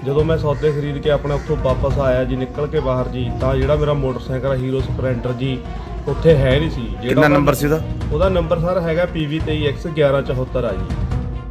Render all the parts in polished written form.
ਜਦੋਂ ਮੈਂ ਸੌਦੇ ਖਰੀਦ ਕੇ ਆਪਣਾ ਉੱਥੋਂ ਵਾਪਸ ਆਇਆ ਜੀ, ਨਿਕਲ ਕੇ ਬਾਹਰ ਜੀ, ਤਾਂ ਜਿਹੜਾ ਮੇਰਾ ਮੋਟਰਸਾਈਕਲ ਹੀਰੋ ਸਪਲੈਂਡਰ ਜੀ ਉੱਥੇ ਹੈ ਨਹੀਂ ਸੀ। ਕਿੰਨਾ ਨੰਬਰ ਸੀ ਉਹਦਾ? ਉਹਦਾ ਨੰਬਰ ਸਰ ਹੈਗਾ PV23X1174 ਆ ਜੀ।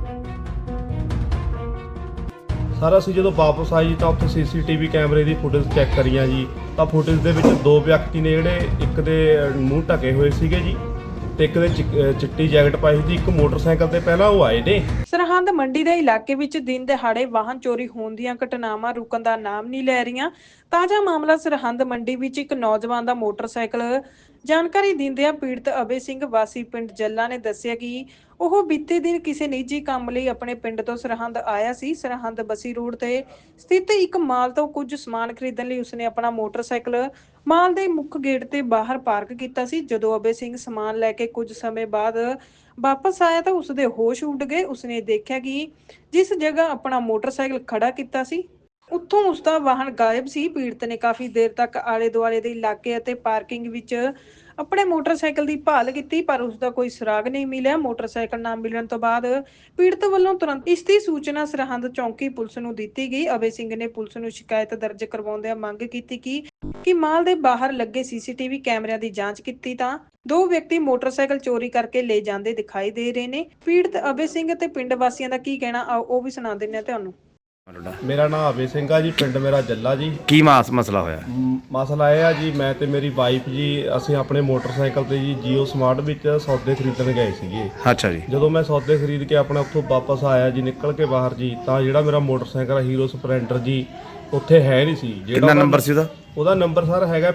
ਸਰ ਅਸੀਂ ਜਦੋਂ ਵਾਪਸ ਆਏ ਜੀ ਤਾਂ ਉੱਥੇ CCTV ਕੈਮਰੇ ਦੀ ਫੁਟੇਜ ਚੈੱਕ ਕਰੀਆਂ ਜੀ, ਤਾਂ ਫੁਟੇਜ ਦੇ ਵਿੱਚ ਦੋ ਵਿਅਕਤੀ ਨੇ ਜਿਹੜੇ ਇੱਕ ਦੇ ਮੂੰਹ ਢਕੇ ਹੋਏ ਸੀਗੇ ਜੀ ਤੇ ਇੱਕ ਦੇ ਚਿੱਟੀ ਜੈਕਟ ਪਾਈ ਸੀ। ਇੱਕ ਮੋਟਰਸਾਈਕਲ ਤੇ ਪਹਿਲਾਂ ਉਹ ਆਏ ਨੇ। ਸਰਹੰਦ ਮੰਡੀ ਦੇ ਇਲਾਕੇ ਵਿੱਚ ਦਿਨ ਦਿਹਾੜੇ ਵਾਹਨ ਚੋਰੀ ਹੋਣ ਦੀਆਂ ਘਟਨਾਵਾਂ ਰੁਕਣ ਦਾ ਨਾਮ ਨਹੀਂ ਲੈ ਰਹੀਆਂ। ਤਾਜ਼ਾ ਮਾਮਲਾ ਸਰਹੰਦ ਮੰਡੀ ਵਿੱਚ ਇੱਕ ਨੌਜਵਾਨ ਦਾ ਮੋਟਰਸਾਈਕਲ ਜਾਣਕਾਰੀ ਦਿੰਦਿਆਂ ਪੀੜਤ ਅਬੇ ਸਿੰਘ ਵਾਸੀ ਪਿੰਡ ਜੱਲਾ ਨੇ ਦੱਸਿਆ ਕਿ ਉਹ ਬੀਤੇ ਦਿਨ ਕਿਸੇ ਨਿੱਜੀ ਕੰਮ ਲਈ ਆਪਣੇ ਪਿੰਡ ਤੋਂ ਸਰਹੰਦ ਆਇਆ ਸੀ। ਸਰਹੰਦ ਬਸੀ ਰੋਡ ਤੇ ਸਥਿਤ ਇੱਕ ਮਾਲ ਤੋਂ ਕੁਝ ਸਮਾਨ ਖਰੀਦਣ ਲਈ ਉਸਨੇ ਆਪਣਾ ਮੋਟਰਸਾਈਕਲ ਮਾਲ ਦੇ ਮੁੱਖ ਗੇਟ ਤੇ ਬਾਹਰ ਪਾਰਕ ਕੀਤਾ ਸੀ। ਜਦੋਂ ਅਬੇ ਸਿੰਘ ਸਮਾਨ ਲੈ ਕੇ ਕੁਝ ਸਮੇਂ ਬਾਅਦ ਵਾਪਸ ਆਇਆ ਤਾਂ ਉਸਦੇ ਹੋਸ਼ ਉੱਡ ਗਏ। ਉਸਨੇ ਦੇਖਿਆ ਕਿ ਜਿਸ ਜਗ੍ਹਾ ਆਪਣਾ ਮੋਟਰਸਾਈਕਲ ਖੜਾ ਕੀਤਾ ਸੀ ਉੱਥੋਂ ਉਸਦਾ ਵਾਹਨ ਗਾਇਬ ਸੀ। ਪੀੜਤ ਨੇ ਕਾਫੀ ਦੇਰ ਤੱਕ ਆਲੇ ਦੁਆਲੇ ਦੇ ਇਲਾਕੇ ਅਤੇ ਪਾਰਕਿੰਗ ਵਿੱਚ ਆਪਣੇ ਮੋਟਰਸਾਈਕਲ ਦੀ ਭਾਲ ਕੀਤੀ, ਪਰ ਉਸਦਾ ਕੋਈ ਸੁਰਾਗ ਨਹੀਂ ਮਿਲਿਆ। ਮੋਟਰਸਾਈਕਲ ਨਾ ਮਿਲਣ ਤੋਂ ਬਾਅਦ ਪੀੜਤ ਵੱਲੋਂ ਤੁਰੰਤ ਇਸ ਦੀ ਸੂਚਨਾ ਸਰਹੰਦ ਚੌਂਕੀ ਪੁਲਿਸ ਨੂੰ ਦਿੱਤੀ ਗਈ। ਅਬੇ ਸਿੰਘ ਨੇ ਪੁਲਿਸ ਨੂੰ ਸ਼ਿਕਾਇਤ ਦਰਜ ਕਰਵਾਉਂਦਿਆਂ ਮੰਗ ਕੀਤੀ ਕਿ ਮਾਲ ਦੇ ਬਾਹਰ ਲੱਗੇ CCTV ਕੈਮਰਿਆਂ ਦੀ ਜਾਂਚ ਕੀਤੀ ਤਾਂ ਦੋ ਵਿਅਕਤੀ ਮੋਟਰਸਾਈਕਲ ਚੋਰੀ ਕਰਕੇ ਲੈ ਜਾਂਦੇ ਦਿਖਾਈ ਦੇ ਰਹੇ ਨੇ। ਪੀੜਤ ਅਬੇ ਸਿੰਘ ਅਤੇ ਪਿੰਡ ਵਾਸੀਆਂ ਦਾ ਕੀ ਕਹਿਣਾ ਆਓ ਉਹ ਵੀ ਸੁਣਾ ਦਿੰਦੇ ਆ ਤੁਹਾਨੂੰ। ਮੇਰਾ ਨਾਮ ਅਬੇ ਸਿੰਘ ਆ ਜੀ, ਪਿੰਡ ਮੇਰਾ ਜੱਲਾ ਜੀ। ਕੀ ਮਸਲਾ ਹੋਇਆ? ਮਸਲਾ ਇਹ ਆ ਜੀ, ਮੈਂ ਤੇ ਮੇਰੀ ਵਾਈਫ ਜੀ ਅਸੀਂ ਆਪਣੇ ਮੋਟਰਸਾਈਕਲ ਤੇ ਜੀ ਜੀਓ ਸਮਾਰਟ ਵਿੱਚ ਸੌਦੇ ਖਰੀਦਣ ਗਏ ਸੀਗੇ। ਅੱਛਾ ਜੀ। ਜਦੋਂ ਮੈਂ ਸੌਦੇ ਖਰੀਦ ਕੇ ਆਪਣਾ ਉੱਥੋਂ ਵਾਪਸ ਆਇਆ ਜੀ, ਨਿਕਲ ਕੇ ਬਾਹਰ ਜੀ, ਤਾਂ ਜਿਹੜਾ ਮੇਰਾ ਮੋਟਰਸਾਈਕਲ ਹੀਰੋ ਸਪਲੈਂਡਰ ਜੀ ਉੱਥੇ ਹੈ ਨਹੀਂ ਸੀ। ਕਿੰਨਾ ਨੰਬਰ ਸੀ ਉਹਦਾ? ਉਹਦਾ ਨੰਬਰ ਸਰ ਹੈਗਾ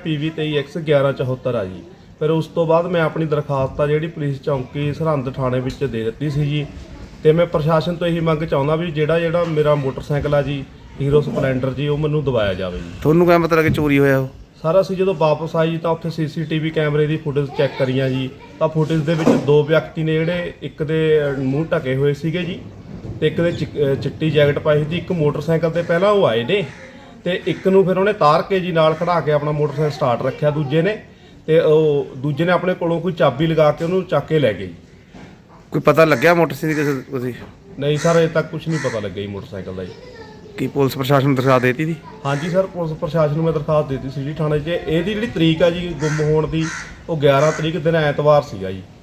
PV23X1174 ਆ ਜੀ। ਫਿਰ ਉਸ ਤੋਂ ਬਾਅਦ ਮੈਂ ਆਪਣੀ ਦਰਖਾਸਤ ਆ ਜਿਹੜੀ ਪੁਲਿਸ ਚੌਂਕੀ ਸਰਹੰਦ ਥਾਣੇ ਵਿੱਚ ਦੇ ਦਿੱਤੀ ਸੀ ਜੀ। ਤੇ ਮੈਂ ਪ੍ਰਸ਼ਾਸਨ ਤੋਂ ਇਹੀ ਮੰਗ ਚਾਹੁੰਦਾ ਵੀ ਜਿਹੜਾ ਮੇਰਾ ਮੋਟਰਸਾਈਕਲ ਆ ਜੀ ਹੀਰੋ ਸਪਲੈਂਡਰ ਜੀ ਉਹ ਮੈਨੂੰ ਦਵਾਇਆ ਜਾਵੇ ਜੀ। ਤੁਹਾਨੂੰ ਕਿਵੇਂ ਪਤਾ ਲੱਗਿਆ ਚੋਰੀ ਹੋਇਆ ਉਹ? ਸਰ ਅਸੀਂ ਜਦੋਂ ਵਾਪਸ ਆਏ ਜੀ ਤਾਂ ਉੱਥੇ CCTV ਕੈਮਰੇ ਦੀ ਫੁਟੇਜ ਚੈੱਕ ਕਰੀਆਂ ਜੀ, ਤਾਂ ਫੁਟੇਜ ਦੇ ਵਿੱਚ ਦੋ ਵਿਅਕਤੀ ਨੇ ਜਿਹੜੇ ਇੱਕ ਦੇ ਮੂੰਹ ਢਕੇ ਹੋਏ ਸੀਗੇ ਜੀ ਤੇ ਇੱਕ ਦੇ ਚਿੱਟੀ ਜੈਕਟ ਪਾਈ ਸੀ। ਇੱਕ ਮੋਟਰਸਾਈਕਲ ਤੇ ਪਹਿਲਾਂ ਉਹ ਆਏ ਨੇ ਤੇ ਇੱਕ ਨੂੰ ਫਿਰ ਉਹਨੇ ਤਾਰ ਕੇ ਜੀ ਨਾਲ ਖੜਾ ਕੇ ਆਪਣਾ ਮੋਟਰਸਾਈਕਲ ਸਟਾਰਟ ਰੱਖਿਆ ਦੂਜੇ ਨੇ, ਤੇ ਉਹ ਦੂਜੇ ਨੇ ਆਪਣੇ ਕੋਲੋਂ ਕੋਈ ਚਾਬੀ ਲਗਾ ਕੇ ਉਹਨੂੰ ਚੱਕ ਕੇ ਲੈ ਗਏ। ਕੋਈ ਪਤਾ ਲੱਗਿਆ ਮੋਟਰਸਾਈਕਲ ਕਿਸੇ? ਨਹੀਂ ਸਰ ਅਜੇ ਤੱਕ ਕੁਝ ਨਹੀਂ ਪਤਾ ਲੱਗਿਆ ਜੀ ਮੋਟਰਸਾਈਕਲ ਦਾ ਜੀ। ਕੀ ਪੁਲਿਸ ਪ੍ਰਸ਼ਾਸਨ ਨੂੰ ਦਰਖਾਸਤ ਦੇਤੀ ਸੀ? ਹਾਂਜੀ ਸਰ, ਪੁਲਿਸ ਪ੍ਰਸ਼ਾਸਨ ਨੂੰ ਮੈਂ ਦਰਖਾਸਤ ਦਿੱਤੀ ਸੀ ਜੀ ਥਾਣੇ 'ਚ। ਇਹਦੀ ਜਿਹੜੀ ਤਰੀਕ ਆ ਜੀ ਗੁੰਮ ਹੋਣ ਦੀ ਉਹ 11 ਤਰੀਕ ਦਿਨ ਐਤਵਾਰ ਸੀਗਾ ਜੀ।